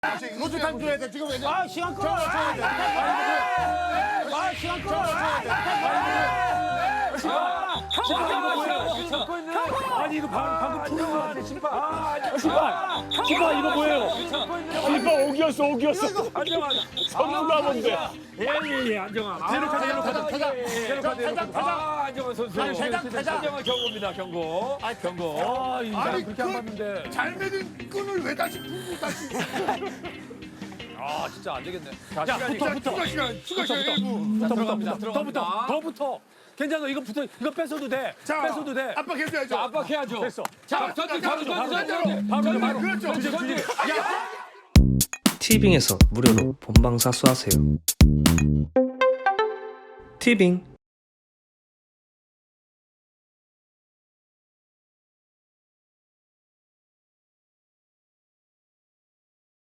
노트탄 줘야 돼. 지금 왜냐? 아 시간 끌어. 아 시간 끌어. 아니 이거 방금 푸는 거 같아 심판. 심판 이거 뭐예요? 심판 오기였어. 안정아. 선수가 뭔데? 예예예 안정아. 대로 가자. 안정아 선수. 가자. 안정아 경고입니다 경고. 경고. 아니 그렇게 안 봤는데. 잘 매든 끈을 왜 다시 풀고 다시? 아 진짜 안 되겠네. 자 추가 시간 1분. 더부터. 괜찮아 이거 뺏어도 돼. 자, 뺏어도 돼. 압박해줘야죠. 압박해야죠. 됐어. 자 바로. 그렇죠. 티빙에서 무료로 본방사수하세요. 티빙